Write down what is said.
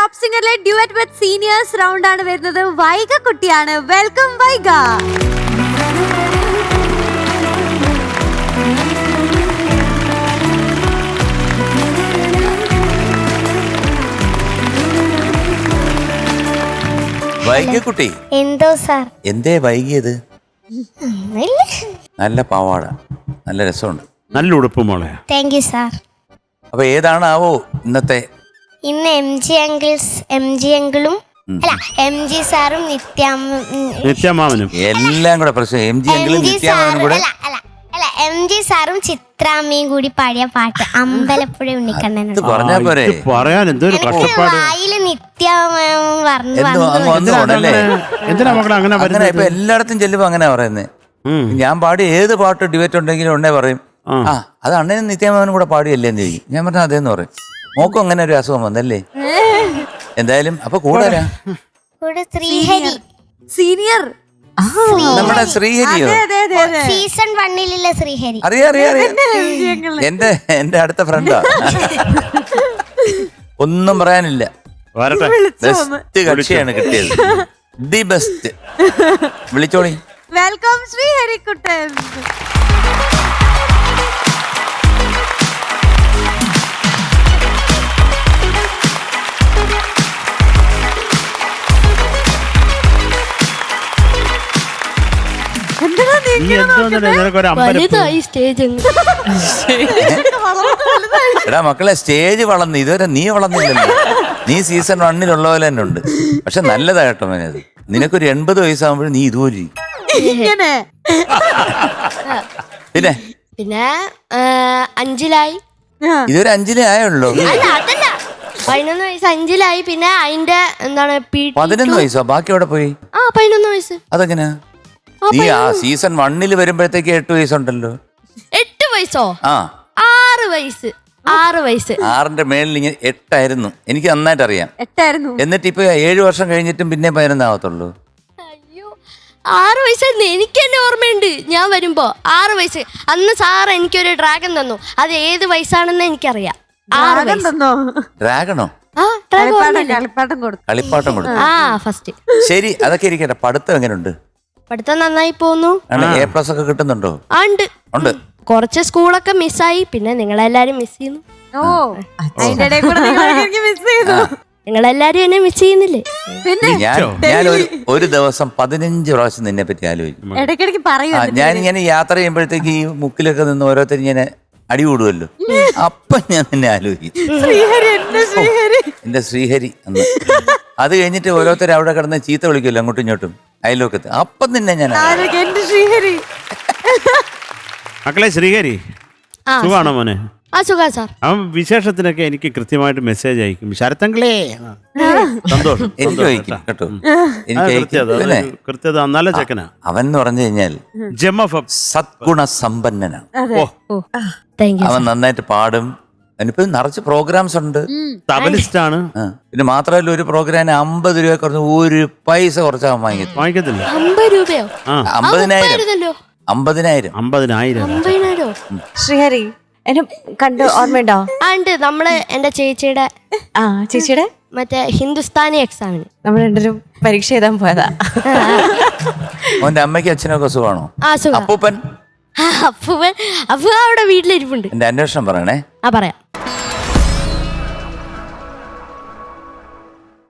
Top സിംഗറിലെ duet with seniors round ആണ് വരുന്നത്. വൈഗ കുട്ടിയാണ്. വെൽക്കം വൈഗ. വൈകിക്കുട്ടി എന്തോ സാർ എന്തേ വൈകിയത്? നല്ല പാവാട, നല്ല രസമുണ്ട്, നല്ല ഉടുപ്പ് മോളെ. Thank you sir. അപ്പൊ ഏതാണാവോ ഇന്നത്തെ? ഇന്ന് എം ജി അങ്കിളും അല്ല എം ജി സാറും നിത്യമാമനും എല്ലാം കൂടെ പ്രശ്നം. എം ജി എങ്കിലും നിത്യാമനും കൂടെ അല്ല എം ജി സാറും ചിത്രാമ്മയും കൂടി പാടിയ പാട്ട് അമ്പലപ്പുഴ ഉണ്ണിക്കണ്ണനുണ്ട്. പറഞ്ഞാ പോരെ? പറയാൻ എന്തൊരു കഷ്ടപ്പാട്. വായില് നിത്യമാമൻ പറഞ്ഞു എന്തിനാ മക്കളെ അങ്ങനെ അങ്ങനെ ഇപ്പൊ എല്ലായിടത്തും ചെല്ലുമ്പോ അങ്ങനെ പറയുന്നേ. ഞാൻ പാടി ഏത് പാട്ട് ഡിബേറ്റ് ഉണ്ടെങ്കിലും ഉടനെ പറയും ആ അത് അണ്ണനും നിത്യാമനും കൂടെ പാടിയല്ലേ എന്ന് ചോദിക്കും. ഞാൻ പറഞ്ഞ അതേന്ന് പറയും. മോക്കും അങ്ങനെ ഒരു അസുഖം വന്നല്ലേ? എന്തായാലും അപ്പൊ കൂടെ ശ്രീഹരി സീനിയർ നമ്മുടെ ശ്രീഹരിയോ? സീസൺ 1 ശ്രീഹരി. അറിയാം. എന്റെ അടുത്ത ഫ്രണ്ടാ. ഒന്നും പറയാനില്ല. ബെസ്റ്റ് കക്ഷിയാണ് കിട്ടിയത്. The best. വിളിച്ചോളി. വെൽക്കം ശ്രീഹരിക്കുട്ടൻ. എടാ മക്കളെ, സ്റ്റേജ് വളർന്നു, ഇതുവരെ നീ വളർന്നില്ലല്ലോ. നീ സീസൺ 1 പോലെ തന്നെ ഉണ്ട്. പക്ഷെ നല്ലതാ കേട്ടോ മോനെ. അത് നിനക്കൊരു 80 വയസ്സാകുമ്പോഴും നീ ഇതുപോലെ പിന്നെ 5-ലായി. ഇതൊരു 5 ആയുള്ളൂ. 11 വയസ്സ് 5-ലായി. പിന്നെ അതിന്റെ എന്താണ് 11 വയസ്സോ? ബാക്കി എവിടെ പോയി? 11 വയസ്സ്. അതെങ്ങനെയാ? നീ ആ സീസൺ 1 വരുമ്പോഴത്തേക്ക് 8 വയസ്സുണ്ടല്ലോ. 8 വയസ്സോ? 6 വയസ്സ്. 6ന്റെ മേളിൽ ഇങ്ങനെ 8 ആയിരുന്നു. എനിക്ക് നന്നായിട്ട് അറിയാം. 8 എന്നിട്ട് ഇപ്പൊ 7 വർഷം കഴിഞ്ഞിട്ടും പിന്നെ 11 ആവത്തുള്ളൂ. അയ്യോ, 6 വയസ്സായിരുന്നു. എനിക്ക് തന്നെ ഓർമ്മയുണ്ട്. ഞാൻ വരുമ്പോ 6 വയസ്സ്. അന്ന് സാർ എനിക്കൊരു ഡ്രാഗൺ തന്നു. അത് ഏത് വയസ്സാണെന്ന് എനിക്കറിയാം. 6 വയസ്സ്. ഡ്രാഗണോ? കളിപ്പാട്ടം കൊടുത്തു. ഫസ്റ്റ്. ശരി, അതൊക്കെ ഇരിക്കട്ടെ. പഠിത്തം എങ്ങനെയുണ്ട്? പഠിത്തം നന്നായി പോകുന്നു. A+ ഒക്കെ കിട്ടുന്നുണ്ടോ? ഉണ്ട്. കുറച്ച് സ്കൂളൊക്കെ മിസ്സായി. പിന്നെ നിങ്ങളെല്ലാരും മിസ് ചെയ്യുന്നു. നിങ്ങളെല്ലാരും എന്നെ മിസ് ചെയ്യുന്നില്ലേ? ഞാൻ ഒരു ദിവസം 15 പ്രാവശ്യം നിന്നെ പറ്റി ആലോചിക്കും. ഇടയ്ക്കിടയ്ക്ക് പറയൂ. ഞാൻ ഇങ്ങനെ യാത്ര ചെയ്യുമ്പോഴത്തേക്ക് ഈ മുക്കിലൊക്കെ നിന്ന് ഓരോരുത്തർ ഇങ്ങനെ അടികൂടുമല്ലോ. അപ്പൊ ഞാൻ നിന്നെ ആലോചിക്കും. എന്റെ ശ്രീഹരി എന്ന്. അത് കഴിഞ്ഞിട്ട് ഓരോരുത്തർ അവിടെ കിടന്ന് ചീത്ത വിളിക്കുമല്ലോ അങ്ങോട്ടും ഇങ്ങോട്ടും അയൽവക്കത്ത്. അപ്പം നിന്നെ ഞാൻ മക്കളെ ശ്രീഹരി സുഖാണോ മോനെ? സുഖാ സാർ. അവൻ വിശേഷത്തിനൊക്കെ എനിക്ക് കൃത്യമായിട്ട് മെസ്സേജ് അയക്കും. ശരത്തങ്ങളേ സന്തോഷം. എനിക്ക് അയക്കും കേട്ടോ. കൃത്യത നല്ല ചെക്കനാ അവൻ എന്ന് പറഞ്ഞു കഴിഞ്ഞാൽ സദ്ഗുണ സമ്പന്നനാണ്. അവൻ നന്നായിട്ട് പാടും. അതിനിപ്പോ നിറച്ച് പ്രോഗ്രാംസ് ഉണ്ട്. തബലിസ്റ്റ് ആണ്. പിന്നെ മാത്രമല്ല ഒരു പ്രോഗ്രാമിന് 50 രൂപ കുറച്ച് 1 പൈസ കുറച്ചാൽ വാങ്ങിക്കത്തില്ല. 50 രൂപയോ? 50,000. ശ്രീഹരി എന്നെ കണ്ട് ഓർമ്മയുണ്ടോ? ഉണ്ട്. നമ്മള് എന്റെ ചേച്ചിയുടെ മറ്റേ ഹിന്ദുസ്ഥാനി എക്സാമിന് നമ്മൾ രണ്ടുപേരും പരീക്ഷ എഴുതാൻ പോയതാ. അവന്റെ അമ്മയ്ക്ക് അച്ഛനൊക്കെ സുഖമാണോ? സുഖം. അപ്പൂപ്പൻ അപ്പൊ അവിടെ വീട്ടിലിരിപ്പുണ്ട്. എന്റെ അന്വേഷണം പറയണേ. പറയാം.